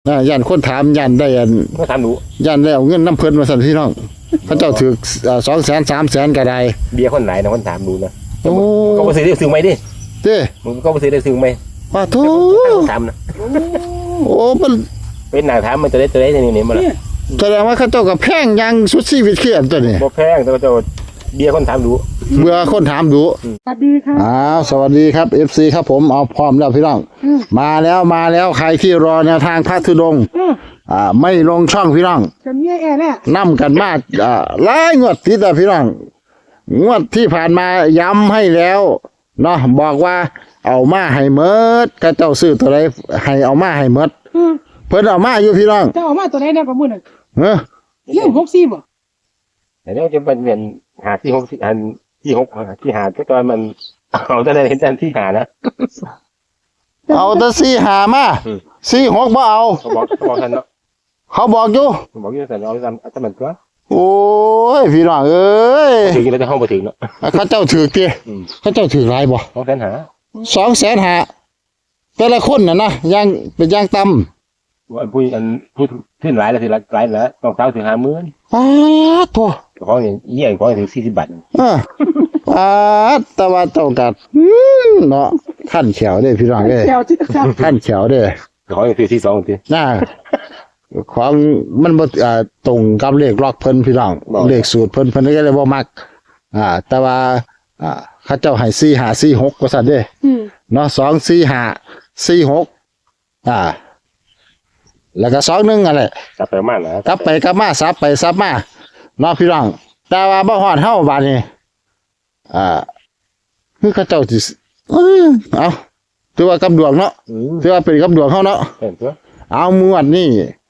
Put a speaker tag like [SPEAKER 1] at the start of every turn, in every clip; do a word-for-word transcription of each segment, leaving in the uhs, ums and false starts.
[SPEAKER 1] นะยันคนถามยันได้ยัน
[SPEAKER 2] ก็ถามหนู
[SPEAKER 1] ยันได้เอาเงินน้ำเพิ่นมาสั่นพี่น้องพระเจ้าถือสองแสนสามแสนก็ได้
[SPEAKER 2] เบียร์คนไหนนะคนถามดูนะ
[SPEAKER 1] โอ้
[SPEAKER 2] ก็ไปซื้อได้ซื้อไหมดิ
[SPEAKER 1] เด้
[SPEAKER 2] มึงก็ไปซื้อได้ซื้อไหม
[SPEAKER 1] ว่าทุก
[SPEAKER 2] ถามนะ
[SPEAKER 1] โอ้มัน
[SPEAKER 2] เป็นหนังถามมันจะได้จะได้ในนี้มาละ
[SPEAKER 1] แสดงว่าเขาเจ้ากับแพงยังสุดชีวิตเขียนตัวนี้
[SPEAKER 2] บ่แพงแต่เจ้าเบียร์คนถามดู
[SPEAKER 1] เบื่อคนถามดู
[SPEAKER 3] สวัสดีครับ
[SPEAKER 1] อ้าวสวัสดีครับ เอฟ ซี ครับผมเอาพร้อมแล้วพี่น้องมาแล้วมาแล้วใครที่รอแนวทางพระธุดงค์อ่าไม่ลงช่องพี่น้อง
[SPEAKER 3] จะมีแอร์แน่
[SPEAKER 1] นำกันมาอ่าหลายงวดติดแต่พี่น้องงวดที่ผ่านมาย้ำให้แล้วเนาะบอกว่าเอามาให้เมิดกระเจ้าซื้อตัวใดให้เอามาให้เมิดเพิ่นเอามาอยู่พี่น้อง
[SPEAKER 3] จะเอามาตัวไหนเนี่ยประมุ่นอ่ะ
[SPEAKER 1] เออ
[SPEAKER 3] เรื่องหกสี่บ่
[SPEAKER 2] แต่เนี่ยจะเป็นเหมือนหาที่หกอันที่หกที่หาก็ตอนมันเอาแต่เห็นแต่ที่หานะ
[SPEAKER 1] เอาแต่สี่หามาสี่หกบ่เอา
[SPEAKER 2] เขาบอกเขาบอกท่านเนาะ
[SPEAKER 1] เขาบอกอยู่
[SPEAKER 2] บอกอยู่แต่เอาทำทำมันก็
[SPEAKER 1] โอ้ยพี่น้องเอ้ย
[SPEAKER 2] ถึงแล้วจะห้องไปถึงเนาะ
[SPEAKER 1] เขาเจ้าถือเตี้ยเขาเจ้าถือไรบ่
[SPEAKER 2] สองแสนหา
[SPEAKER 1] สองแสนหาแต่ละคนน่ะนะย่างเป็นย่างต่
[SPEAKER 2] ำว่าพูดอันพูดขึ้นหลายแล้วสิหลายแล้วต้องเท้าถึงห้าหมื่น
[SPEAKER 1] ป้าทัว
[SPEAKER 2] ของอย่างเยี่ยงของถึงสี่สิบบาท
[SPEAKER 1] อ่าป้าตะวันตกกัดเนาะขั้นเขียวเด้พี่น้องเด้ขั้นเขียวเด้
[SPEAKER 2] ของอย่างถึงสี่สองที
[SPEAKER 1] น่าของมันบ่อ่าตรงกับเลขล็อกเพิ่นพี่น้องเลขสูตรเพิ่นเพิ่นก็เลยบ่มักอ่าแต่ว่าอ่าเขาเจ้าให้สี่ห้าสี่หกว่าซั่นเด้เนาะสองสี่ห้าสี่หกอ่าแล้วก็สองหนึ่งอะไร
[SPEAKER 2] กลับไปมานะ
[SPEAKER 1] กลับไปกลับมาซับไปซับมาเนาะพี่น้องแต่ว่าบ่ฮอดเฮาบาดนี้อ่าคือเขาเจ้าสิเออเอาถือว่ากับดวงเนาะถือว่าเป็นกับดวงเฮาเนาะเอามวดนี่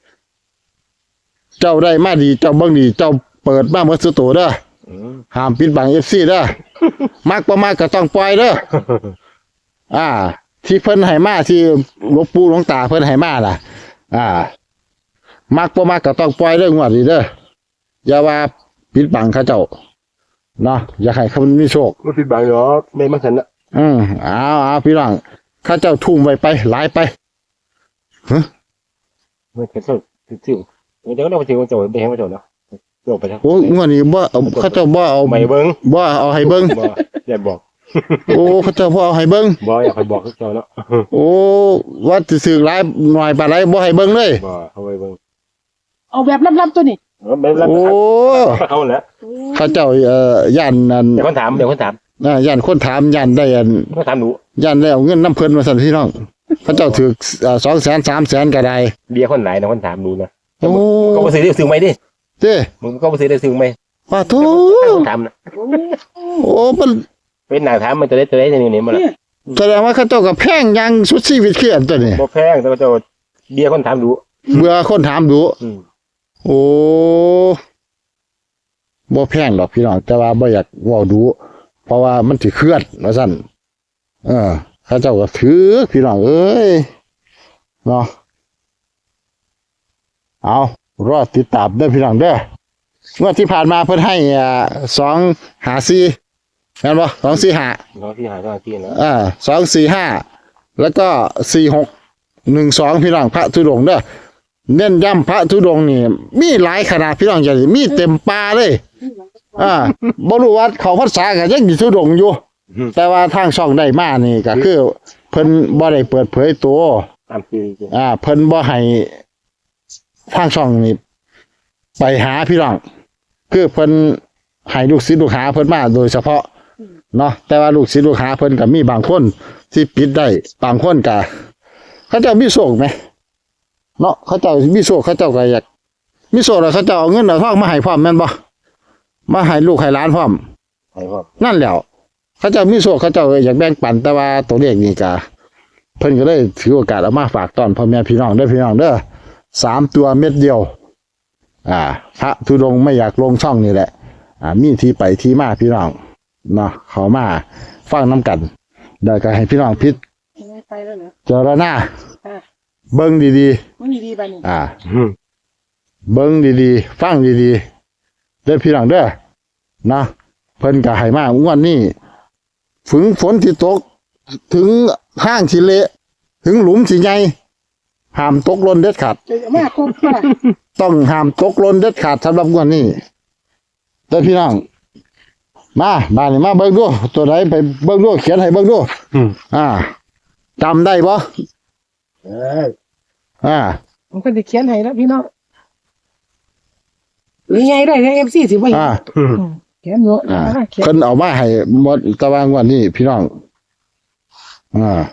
[SPEAKER 1] เจ้าได้มาดีเจ้าเบิ่งดีเจ้าเปิดมาหมดสุดโตเด้อห้ามปิดบัง เอฟ ซี เด้อมักบ่มักก็ต้องปล่อยเด้ออ่าที่เพิ่นให้มาที่หลวงปู่หลวงตาเพิ่นให้มาล่ะอ่ามักบ่มักก็ต้องปล่อยเด้องวดนี้เด้ออย่าว่าปิดบังเขาเจ้าเนาะอย่าให้เขามีโชค
[SPEAKER 2] บ่ปิดบังหรอกไม่มาซั่นน่ะ
[SPEAKER 1] อืมเอาเอาพี่น้องเขาเจ้าทุ่มไว้ไปหลายไปฮะ
[SPEAKER 2] ไม่เคยสู้ซื่อเดี๋ยวเราไปถึงโจทย์ไปให้โจทย์เนาะโจทย์ไปแล้ว
[SPEAKER 1] โอ้งวดนี้บ่เขาเจ้าบ่เอา
[SPEAKER 2] ไม่เบิ่ง
[SPEAKER 1] บ่เอาให้เบิ่ง
[SPEAKER 2] บ่อย่าบอก
[SPEAKER 1] โอ้เขาเจ้าบ่เอาให้เบิ่ง
[SPEAKER 2] บ่อยากให้บอกเขาเจ้าเนาะ
[SPEAKER 1] โอ้ว่าสิซื้อหลายหน่อยปานใดบ่ให้เบิ่งเลย
[SPEAKER 2] บ่เอาไว้เบิ่ง
[SPEAKER 3] เอาแบบลับๆตัวนี้
[SPEAKER 1] โอ้
[SPEAKER 2] เขาแหละ
[SPEAKER 1] เขาเจ้าเอ่อย่านนั่น
[SPEAKER 2] เดี๋ยวคนถามเดี๋ยวคนถาม
[SPEAKER 1] น่ะย่านคนถามย่านได้อัน
[SPEAKER 2] ก็ถามหนู
[SPEAKER 1] ย่านได้เอาเงินน้ำเพิ่นมาสั่นพี่น้องเขาเจ้าถืออ่าสองแสนสามแสนก็ได้
[SPEAKER 2] เบียร์คนไหนนะคนถามดูนะโอ้ก็ไปซื้อได้ซื้อไหมดิ
[SPEAKER 1] เด้
[SPEAKER 2] มึงก็ไปซื้อได้ซื้อไหม
[SPEAKER 1] ว่าทุก
[SPEAKER 2] ถามนะ
[SPEAKER 1] โอ้มัน
[SPEAKER 2] เป็นหนังถามมันจะได้จะได้ในนี้มาละ
[SPEAKER 1] แสดงว่าเขาเจ้ากับแพงยังสุดชีวิตเขียนตัวนี้
[SPEAKER 2] บ่แพงแต่เจ้าเบียร์คนถามดู
[SPEAKER 1] เบื่อคนถามดูโอ้บ่แพงดอกพี่น้องแต่ว่าบ่อยากเว้าดูเพราะว่ามันสิเคลื่อนว่าซั่นเออเขาเจ้าก็ถือพี่น้องเอ้ยเนาะเอารอติดตามเด้อพี่น้องเด้องวดที่ผ่านมาเพิ่นให้อ่าสองห้าสี่แม่นบ่สองสี่ห้า
[SPEAKER 2] สองสี่ห้าสองสี่นะ
[SPEAKER 1] อ่าสองสี่ห้าแล้วก็สี่หกหนึ่งสองพี่น้องพระธุดงค์เด้อเน้นย้ำพระธุดงค์นี่มีหลายขนาดพี่น้องอย่ามีเต็มป่าเลยอ่าบ่รู้ว่าเขาพรรษาก็ยังอยู่ธุดงค์อยู่แต่ว่าทางช่องได้มานี่ก็คือเพิ่นบ่ได้เปิดเผยตัว
[SPEAKER 2] ตามคือ
[SPEAKER 1] อ่าเพิ่นบ่ให้ทางช่องนี่ไปหาพี่น้องคือเพิ่นให้ลูกศิษย์ลูกหาเพิ่นมาโดยเฉพาะเนาะแต่ว่าลูกศิษย์ลูกหาเพิ่นก็มีบางคนที่ปิดได้บางคนก็เขาเจ้ามีโชคมั้ยเนาะเขาเจ้ามีโชคเขาเจ้าก็อยากมีโชคแล้วเขาเจ้าเอาเงินเอาทองมาให้พร้อมแม่นบ่มาให้ลูกให้หลานพร้อม
[SPEAKER 2] ให้พร้อม
[SPEAKER 1] นั่นแหละเขาเจ้ามีโชคเขาเจ้าอยากแบ่งปันแต่ว่าตัวเลขนี่ก็เพิ่นก็เลยถือโอกาสเอามาฝากตอนพ่อแม่พี่น้องเด้อพี่น้องเด้อสามตัวเม็ดเดียวอ่าพระธุดงค์ไม่อยากลงช่องนี่แหละอ่ามีที่ไปที่มาพี่น้องเนาะเขามาฟังน้ำกันเดี๋ยวก็ให้พี่น้องพิจเจรณาเบิ้งดีๆ
[SPEAKER 3] เบิ้งดีๆไปนี่
[SPEAKER 1] อ่าเบิ้งดีๆฟังดีๆเด้อพี่น้องเด้อนะเพิ่นก็ให้มาอ้วนนี่ฝนฝนที่ตกถึงห้างที่เละถึงหลุมที่ใหญ่ห้ามตกหล่นเด็ดขาด
[SPEAKER 3] จะมากครบป่ะ
[SPEAKER 1] ต้องห้ามตกหล่นเด็ดขาดสำหรับงวดนี้เด้อพี่น้องมาบ้านนี้มาเบิ่งดูตัวไหนไปเบิ่งดูเขียนให้เบิ่งดู
[SPEAKER 2] อืม
[SPEAKER 1] อ่าจำได้บ่
[SPEAKER 2] เออ
[SPEAKER 1] อ่า
[SPEAKER 3] ผมก็จะเขียนให้แล้วพี่น้องหรือไงได้ในเอฟซีสิว่า
[SPEAKER 1] อ่า
[SPEAKER 2] อืม
[SPEAKER 3] เขียนเยอะ
[SPEAKER 1] อ่า
[SPEAKER 3] เขียน
[SPEAKER 1] เพิ่นเอามาให้หมดตะวางวันนี้พี่น้องอ่า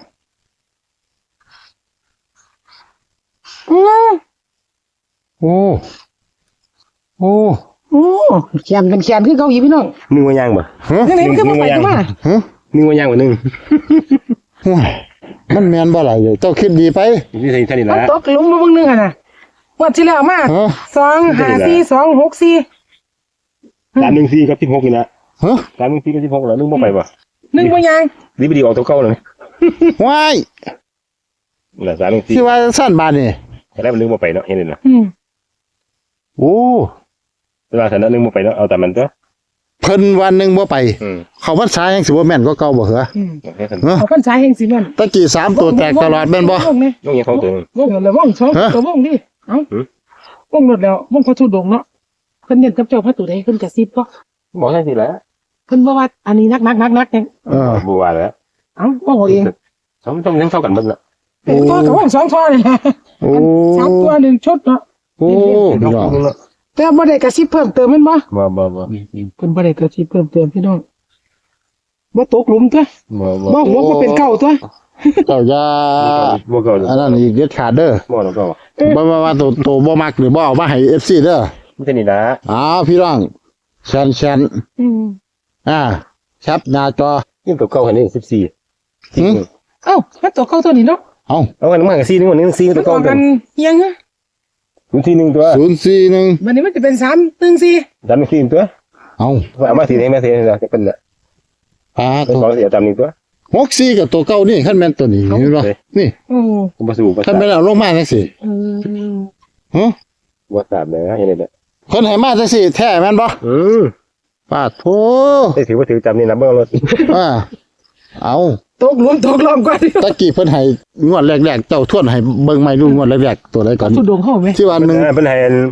[SPEAKER 3] โอ้
[SPEAKER 1] โอ้โอ้
[SPEAKER 3] โอ้เขียนเป็นเขียนคือเกาหลีพี่น้อง
[SPEAKER 2] นึ่งว่าย่างบ่
[SPEAKER 1] ฮะ
[SPEAKER 3] นี่ไหนมันก็มาไปก็มา
[SPEAKER 1] ฮะ
[SPEAKER 2] นึ่งว่าย่างบ่นึ่ง
[SPEAKER 1] ห่วยมันแม่นบ่ล่ะเจ้าคิดดีไป
[SPEAKER 2] นี่ใช่ท่านี่
[SPEAKER 3] มัน
[SPEAKER 2] ละ
[SPEAKER 3] ตกหลุมมาเบางนึงอ่ะนะวันที่แล้วมา
[SPEAKER 1] ฮะ
[SPEAKER 3] สองห้าสี่สองหกสี่
[SPEAKER 2] สามหนึ่งสี่กับสิบหกนี่นะ
[SPEAKER 1] ฮะ
[SPEAKER 2] สามหนึ่งสี่กับสิบหกแล้วนึ่งบ่ไปบ่
[SPEAKER 3] หนึ่งบ่ยัง
[SPEAKER 2] ดีไปดีออกตัวเก่าเลย
[SPEAKER 1] ว้าย
[SPEAKER 2] น่ะสามหนึ่งสี่
[SPEAKER 1] ที่ว่าสั้นบาดนี่
[SPEAKER 2] แต่แล้วมันนึ่งบ่ไปเนาะเห็นเลยนะ
[SPEAKER 3] อืม
[SPEAKER 1] โอ้
[SPEAKER 2] เวลาแต่นั้นนึ่งบ่ไปเนาะเอาแต่มันตัว
[SPEAKER 1] เพิ่นวันหนึงบ่ไป
[SPEAKER 2] อืม
[SPEAKER 1] เขาพรรษายังสิบ่แม่นกว่าเก่าบ่เหรอ
[SPEAKER 3] อืม
[SPEAKER 2] โอเคกัน
[SPEAKER 1] ฮะ
[SPEAKER 3] เอาพันสายแห่งสิแม่น
[SPEAKER 1] ตะกี้สามตัวแตกตลอดแม่นบ่
[SPEAKER 3] วงเนี่ย
[SPEAKER 2] ยกยังเขาตัวนึง
[SPEAKER 3] วงแล้ววงสอง
[SPEAKER 1] ฮะ
[SPEAKER 3] ตัววงดิเอ้า
[SPEAKER 2] หือ
[SPEAKER 3] วงหมดแล้ววงเขาทุดงเนาะเพิ่นเน้นกับเจ้าพระตุใดเพิ่นกระซิบบ่
[SPEAKER 2] บอกใช่สิแล้ว
[SPEAKER 3] เพิ่นบ่ว่าอันนี้นักนักนักนักเนี่ย
[SPEAKER 1] เออ
[SPEAKER 2] บัวแล้ว
[SPEAKER 3] เอ้าว่าเอาเอง
[SPEAKER 2] สองต้องยังเท่ากันหมดละ
[SPEAKER 3] เป็นตัวกับวงสองตัวนี่แหละ
[SPEAKER 1] โอ้
[SPEAKER 3] สามตัวหนึ่งชุดเนาะ
[SPEAKER 1] โอ้พี่น้อง
[SPEAKER 3] แต่บ่ได้กระซิบเพิ่มเติมแม่นบ่
[SPEAKER 2] บ่บ่บ่
[SPEAKER 3] เพิ่นบ่ได้กระซิบเพิ่มเติมพี่น้องบ่ตกหลุมตัว
[SPEAKER 2] บ่บ่
[SPEAKER 3] บ่หัวก็เป็นเก่าตัว
[SPEAKER 1] เจ้าอย่า
[SPEAKER 2] บ่เก่า
[SPEAKER 1] อันนั้นอีกเด็ดขาดเด้อ
[SPEAKER 2] บ่เราเก่า
[SPEAKER 1] บ่ว่าว่าตัวตัวบ่มักหรือบ่เอามาให้ เอฟ ซี เด้อ
[SPEAKER 2] ไม่ใช่นี่นะ
[SPEAKER 1] อ้าวพี่น้องแชนแชน
[SPEAKER 3] อืม
[SPEAKER 1] อ่าแคปหน้าจอ
[SPEAKER 2] ยิ่งตัวเก่าหันนี่สิบสี่
[SPEAKER 1] หืม
[SPEAKER 3] เอ้ามันตัวเก่าตัวนี้เนาะ
[SPEAKER 1] เอ้า
[SPEAKER 2] เอากันมากับสี่นึงวันนึงสี่
[SPEAKER 3] มั
[SPEAKER 2] ตัวน
[SPEAKER 3] อ
[SPEAKER 2] เก่า
[SPEAKER 3] อก
[SPEAKER 2] ตั
[SPEAKER 3] กั
[SPEAKER 2] วน
[SPEAKER 3] ยังฮะ
[SPEAKER 2] ศูนย์สี่หนึ่งตัว
[SPEAKER 1] ศูนย์สี่หนึ่ง
[SPEAKER 3] วันนี้มันจะเป็นสามหนึ่งสี่
[SPEAKER 2] จำสี่ตัว
[SPEAKER 1] เอ้า
[SPEAKER 2] เอามาสี่ให้มาสี่นี่จะเป็นละ
[SPEAKER 1] อ่า
[SPEAKER 2] เป็น
[SPEAKER 1] ตัว
[SPEAKER 2] สองสี่จำหนึ่งตัว
[SPEAKER 1] หกสี่กับตัวเก่านี่ขั้นแม่นตัวนี้เห็นบ่นี่
[SPEAKER 3] โอ้
[SPEAKER 2] ผมบ่สู้บ่
[SPEAKER 1] ขั้นแม่นเอาลงมาจังซี่
[SPEAKER 3] อืม
[SPEAKER 1] ฮะ
[SPEAKER 2] บ่ทราบเลยนะเห็นเลย
[SPEAKER 1] เพิ่นให้มาจังซี่แท้แม่นบ่
[SPEAKER 2] อืม
[SPEAKER 1] ปาดโธ
[SPEAKER 2] ได้ถือว่าถือจำนี่นะเบิ่งรถ
[SPEAKER 1] อ่าเอา
[SPEAKER 3] ตกหลุมตกลอมก่อน
[SPEAKER 1] ตะกี้เพิ่นให้งวดแรกๆเจ้าทวนให้เบิ่งใหม่ดูงวดแรกๆตัวใดก่อน
[SPEAKER 3] ทุดงเข้าไหม
[SPEAKER 1] ที่ว่าหนึ่ง
[SPEAKER 2] เป็นให้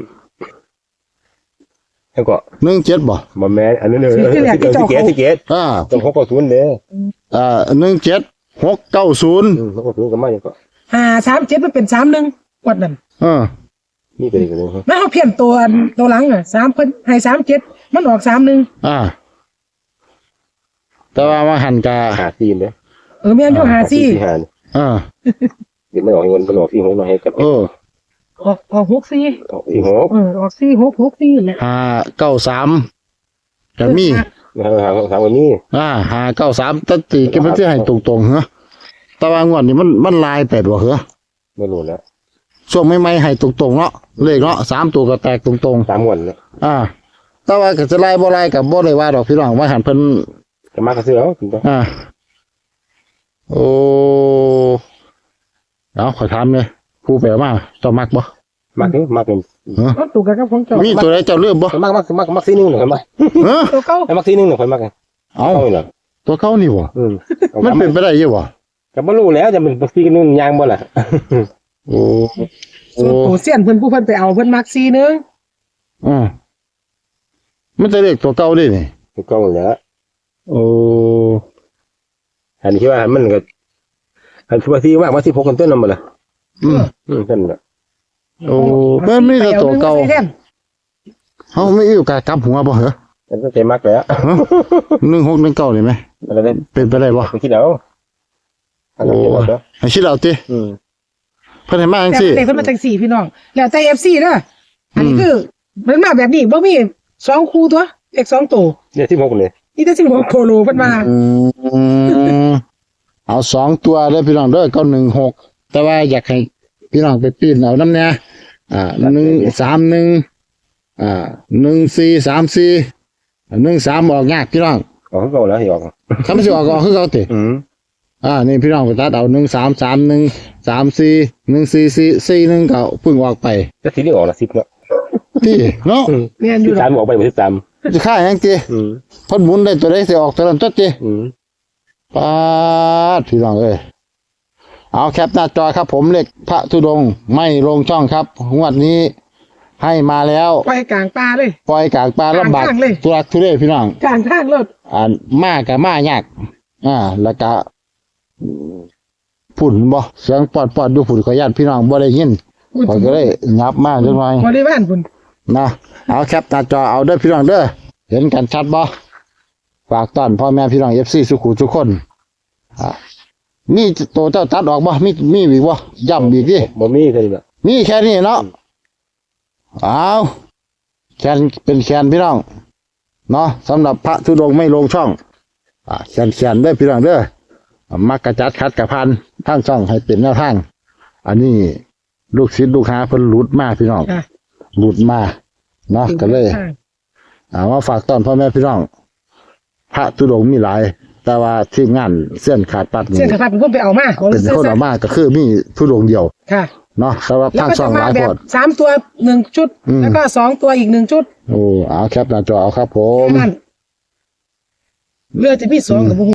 [SPEAKER 2] แล้วก็
[SPEAKER 1] หนึ่งเจ็ดบ่
[SPEAKER 2] บ่แม่อันนั้นเลยสิเกตสิเกต
[SPEAKER 1] อ่า
[SPEAKER 2] ต้องหกกับศูนย์เด้อ
[SPEAKER 1] อ่าหนึ่งเจ็ดหกเก้าศูนย์
[SPEAKER 2] อืมหกกับศูนย์ก็มาอย่างก็
[SPEAKER 3] ห้าสามเจ็ดมันเป็นสามหนึ่งวัดนั่น
[SPEAKER 1] อ่า
[SPEAKER 2] นี่ก็ดีกันเลย
[SPEAKER 3] แล้วเขาเพี้ยนตัวตัวหลังอ่ะสามเพิ่นให้สามเจ็ดมันออกสามหนึ่ง
[SPEAKER 1] อ่า แต่ว่ามาหันกา
[SPEAKER 2] หาซีนเด้อ
[SPEAKER 3] เออแม่นอยู่หาสี่
[SPEAKER 2] หา
[SPEAKER 1] อ่า
[SPEAKER 2] เดี๋ยวมันออกเงินมันออกสี่หกหน่อยให้กับ
[SPEAKER 1] เออ
[SPEAKER 3] ออกออกหกสี่
[SPEAKER 2] ออกสี่หก
[SPEAKER 3] เออออกสี่หกหกสี่แหละ
[SPEAKER 1] ห้าเก้าสามก็มี
[SPEAKER 2] หาหาสามวันนี้
[SPEAKER 1] อ่าห้าเก้าสามตัดตีก็ไม่ใช่ให้ตรงๆเหรอแต่ว่างวดนี้มันมันลายแปดบ่เหรอ
[SPEAKER 2] ไม่รู้แล้ว
[SPEAKER 1] ช่วงใหม่ๆให้ตรงๆเนาะเลขเนาะสามตัวก็แตกตรง
[SPEAKER 2] สามวันแล้ว
[SPEAKER 1] ๆอ่า แต่ว่าก็จะไล่บ่ไล่กับบ่ได้ว่าดอกพี่น้องว่าหันเพิ่น
[SPEAKER 2] จะมากระเสือเอาถึงต้อง
[SPEAKER 1] อ่า โอ้เอาขอถามเลยครูแปลมาเจ้ามักบ่
[SPEAKER 2] มากเด้อมากเป็น
[SPEAKER 3] รถตู้กับของเจ้า
[SPEAKER 1] มีตัวใดเจ้าเลือกบ่
[SPEAKER 2] มากมากมากมากซีนึงหน่อยมาก
[SPEAKER 1] เออ
[SPEAKER 3] ตัวเก่า
[SPEAKER 2] ไอ้มากซีนึงหน่อยมาก
[SPEAKER 1] เอา
[SPEAKER 2] เอาเลยเหรอ
[SPEAKER 1] ตัวเขานี่บ่
[SPEAKER 2] อืม
[SPEAKER 1] มันเป็นไปได้อยู่บ่
[SPEAKER 2] ก็บ่รู้แล้วจะเป็นซีกันนู่นยางบ่ล่ะ
[SPEAKER 1] โอ้
[SPEAKER 3] ส่วนตัวเสี้ยนเพิ่นผู้เพิ่นไปเอาเพิ่นมักสี่หนึง
[SPEAKER 1] อ่ามันจะเลขตัวเก่าดินี่
[SPEAKER 2] ถูกต้องแล้ว
[SPEAKER 1] โอ้
[SPEAKER 2] อันนี้คิดว่ามันก็อันที่ว่าซีว่าว่าสิบหกกันต้นนั่นบ่ล่ะ
[SPEAKER 1] อืม
[SPEAKER 2] อืมนั่นน่ะ
[SPEAKER 1] โอ้มันมีแต่ตัวเก่า
[SPEAKER 3] ไปอหนึ่งใส่แทน
[SPEAKER 1] เฮาไม่อยู่กะกลับหัวบ่เหรอ
[SPEAKER 2] อันนั้นใจมากแล้ว
[SPEAKER 1] หนึ่งหกหนึ่งเก้านี่ไหม
[SPEAKER 2] อะไรได้
[SPEAKER 1] เป็นไปได้บ่
[SPEAKER 2] ไปคิดเอาอันนั้นคิดเอาเด้อ
[SPEAKER 1] ให้คิดเอาติ
[SPEAKER 2] อืม
[SPEAKER 1] เพิ่นให้มาจัง
[SPEAKER 3] แต่
[SPEAKER 1] ซี่
[SPEAKER 3] เด็กเพิ่นมาจังสี่พี่น้องแล้วแต่ เอฟ ซี เด้ออันนี้
[SPEAKER 1] อืม
[SPEAKER 3] คือมันมาแบบนี้บ่มีสองคู่ตัวเลขสองตัว
[SPEAKER 2] เนี่ยสิบหกเลย
[SPEAKER 3] นี่แต่สิบหกโคโลเพิ่นมา
[SPEAKER 1] อืมเอาสองตัวเด้อพี่น้องเด้อเก้าหนึ่งหกแต่ว่าอยากให้พี่น้องไปปีนเอาน้ำเนี่ยอ่าหนึ่งสามหนึ่งอ่าหนึ่งสี่สามสี่หนึ่งสามออกยากพี่น้อง
[SPEAKER 2] ออกก็แล้วสิออก
[SPEAKER 1] ถ้าไม่สิออกก็ออกคือเขาติ
[SPEAKER 2] อืม
[SPEAKER 1] อ่านี่พี่น้องไปตัดเอาหนึ่งสามสามหนึ่งสามสี่หนึ่งสี่สี่สี่หนึ่งก็เพิ่งออกไป
[SPEAKER 2] แต่ทีนี้ออกละสิบเนาะ
[SPEAKER 1] ที่เนาะ
[SPEAKER 3] แม่นอ
[SPEAKER 2] สิ
[SPEAKER 3] ยู่
[SPEAKER 2] บ
[SPEAKER 3] ด
[SPEAKER 2] สา
[SPEAKER 3] อ
[SPEAKER 2] ม
[SPEAKER 3] ก
[SPEAKER 2] ออกไปบ่สิบสาม
[SPEAKER 1] จะค่าหยังตี
[SPEAKER 2] อืม
[SPEAKER 1] พอดหมุนได้ตัวใดสิออกตัวนั้นตัวตี
[SPEAKER 2] อืม
[SPEAKER 1] ปาดพี่น้องเอ้ยเอาแคปหน้าจอครับผมเลขพระธุดงค์ไม่ลงช่องครับงวดนี้ให้มาแล้ว
[SPEAKER 3] ไปกลางป่าเลย
[SPEAKER 1] ปล่อยกลางปลาลำบาก
[SPEAKER 3] กลางทางเลย
[SPEAKER 1] ทุรักทุเลพี่น้อง
[SPEAKER 3] กลางทางรถ
[SPEAKER 1] อ่านมากกับมายากอ่าแล้วก็ฝุ่นบ่เสียงปอดปอดดูฝุ่นขออนุญาตพี่น้องบ่ได้ยินขอยก็เลยงับมากจังหน่อย
[SPEAKER 3] บริวารพุ่น
[SPEAKER 1] นะเอาแคปหน้าจอเอาเด้อพี่น้องเด้อเห็นกันชัดบ่ฝากต้อนพ่อแม่พี่น้อง เอฟ ซี สุขุทุกคนอ่ามีโตเจ้าตัดออกบ่มีมีอีกบ่ย้ำอีกดิ
[SPEAKER 2] บ่มีเท่านี้แหละ
[SPEAKER 1] มีแค่นี้เนาะเอาแคนเป็นแคนพี่น้องเนาะสำหรับพระธุดงค์ไม่ลงช่องอ่าแคนแคนเด้อพี่น้องเด้อมักกระจัดคัดกระพันทางช่องให้เป็นแนวทางอันนี้ลูกศิษย์ลูกหาเพิ่นหลุดมาพี่น้อง
[SPEAKER 3] ค่ะ
[SPEAKER 1] หลุดมาเนาะก็เลยเอามาฝากต้อนพ่อแม่พี่น้องพระธุดงค์มีหลาย แต่ว่าที่งานเส้นขาดปัดนี่
[SPEAKER 3] เส้นขาดเป็นคนไปเอามา
[SPEAKER 1] เป็นคนออกมาก็คือมีธุดงค์เดียว
[SPEAKER 3] ค่ะ
[SPEAKER 1] เนาะสำหรับ
[SPEAKER 3] แล้ว
[SPEAKER 1] ทาง
[SPEAKER 3] ก็
[SPEAKER 1] ช่
[SPEAKER 3] จะ
[SPEAKER 1] องห
[SPEAKER 3] มา
[SPEAKER 1] ลาย
[SPEAKER 3] แบ
[SPEAKER 1] ค
[SPEAKER 3] บ
[SPEAKER 1] น
[SPEAKER 3] สามตัวหนึ่งชุด
[SPEAKER 1] อืม
[SPEAKER 3] แล้วก็สองตัวอีกหนึ่งชุด
[SPEAKER 1] โอ้เอาแคปหน้าจอเอาครับผม
[SPEAKER 3] นั่นเรือจะมีสองกับ